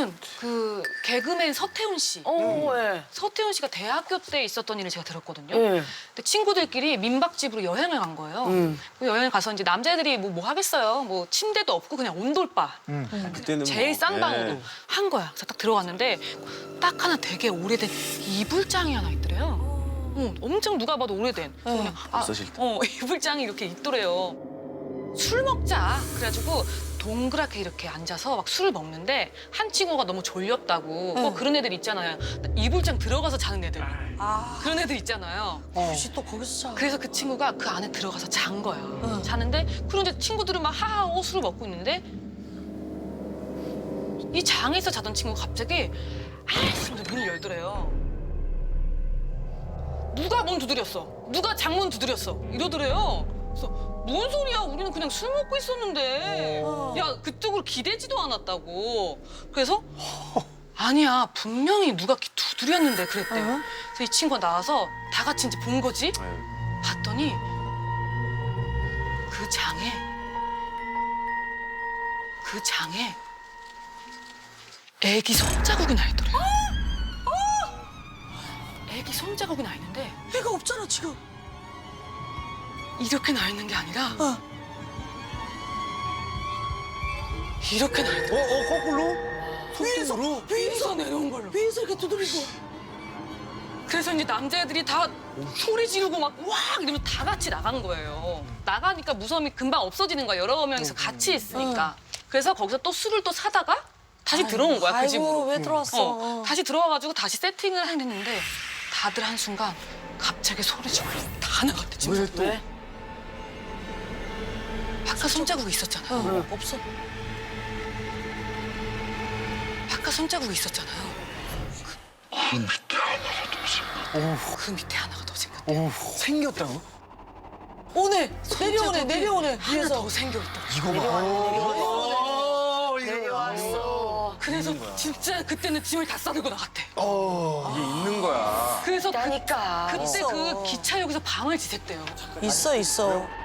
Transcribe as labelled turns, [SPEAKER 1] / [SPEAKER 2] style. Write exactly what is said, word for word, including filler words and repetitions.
[SPEAKER 1] 이거는 그 개그맨 서태훈 씨.
[SPEAKER 2] 어, 예.
[SPEAKER 1] 서태훈 씨가 대학교 때 있었던 일을 제가 들었거든요.
[SPEAKER 2] 예.
[SPEAKER 1] 근데 친구들끼리 민박집으로 여행을 간 거예요.
[SPEAKER 2] 음.
[SPEAKER 1] 그 여행을 가서 이제 남자애들이 뭐, 뭐 하겠어요. 뭐 침대도 없고 그냥 온돌바.
[SPEAKER 3] 그때는
[SPEAKER 1] 제일
[SPEAKER 3] 뭐,
[SPEAKER 1] 싼 방으로
[SPEAKER 3] 예.
[SPEAKER 1] 한 거야. 그래서 딱 들어갔는데 딱 하나 되게 오래된 이불장이 하나 있더래요. 어, 엄청 누가 봐도 오래된. 그래서 그냥 아,
[SPEAKER 3] 없어질 때.
[SPEAKER 1] 어, 이불장이 이렇게 있더래요. 술 먹자. 그래가지고 동그랗게 이렇게 앉아서 막 술을 먹는데 한 친구가 너무 졸렸다고. 뭐 그런 애들 있잖아요. 이불장 들어가서 자는 애들.
[SPEAKER 2] 아,
[SPEAKER 1] 그런 애들 있잖아요.
[SPEAKER 2] 혹시 또 거기서 자.
[SPEAKER 1] 그래서 그 친구가 그 안에 들어가서 잔 거야. 자는데 그런 이제 친구들은 막 하하호 술을 먹고 있는데 이 장에서 자던 친구가 갑자기 아이씨 문을 열더래요. 누가 문 두드렸어? 누가 장문 두드렸어? 이러더래요. 그래서 뭔 소리야? 우리는 그냥 술 먹고 있었는데. 야, 그쪽으로 기대지도 않았다고. 그래서 아니야, 분명히 누가 기- 두드렸는데 그랬대. 그래서 이 친구가 나와서 다 같이 이제 본 거지. 봤더니 그 장에 그 장에 애기 손자국이 나 있더래요. 애기 손자국이 나 있는데
[SPEAKER 2] 애가 없잖아, 지금.
[SPEAKER 1] 이렇게 나 있는 게 아니라
[SPEAKER 2] 어.
[SPEAKER 1] 이렇게 나
[SPEAKER 3] 어,
[SPEAKER 1] 있더래요.
[SPEAKER 3] 어, 거꾸로?
[SPEAKER 2] 위에서,
[SPEAKER 3] 손등으로?
[SPEAKER 1] 위에서 내려온 걸로.
[SPEAKER 2] 위에서 이렇게 두드리고.
[SPEAKER 1] 그래서 이제 남자애들이 다 소리 지르고 막 와 이러면서 다 같이 나간 거예요. 나가니까 무서움이 금방 없어지는 거야. 여러 명이서 같이 있으니까. 그래서 거기서 또 술을 또 사다가 다시 들어온 거야, 그
[SPEAKER 2] 아이고,
[SPEAKER 1] 집으로.
[SPEAKER 2] 왜 들어왔어?
[SPEAKER 1] 어, 다시 들어와가지고 다시 세팅을 했는데 다들 한순간 갑자기 소리 지르고 다 나갔대, 진짜.
[SPEAKER 3] 왜 또?
[SPEAKER 2] 왜?
[SPEAKER 1] 아까 손자국이 있었잖아요.
[SPEAKER 2] 어, 없어.
[SPEAKER 1] 아까 손자국이 있었잖아요.
[SPEAKER 3] 그 밑에 하나가 더 생겼다.
[SPEAKER 1] 그 밑에 하나가 더 생겼대.
[SPEAKER 3] 오, 생겼다고?
[SPEAKER 2] 오네, 내려오네, 내려오네.
[SPEAKER 1] 하나
[SPEAKER 2] 위에서.
[SPEAKER 1] 더 생겨있다.
[SPEAKER 3] 이거 봐.
[SPEAKER 2] 내려왔어.
[SPEAKER 3] 내려왔어.
[SPEAKER 1] 그래서 진짜 그때는 짐을 다 싸들고 나갔대.
[SPEAKER 3] 어, 이게 있는 거야.
[SPEAKER 1] 그래서 그,
[SPEAKER 2] 그러니까.
[SPEAKER 1] 그때
[SPEAKER 2] 있어.
[SPEAKER 1] 그 기차역에서 밤을 지샜대요.
[SPEAKER 2] 있어, 있어.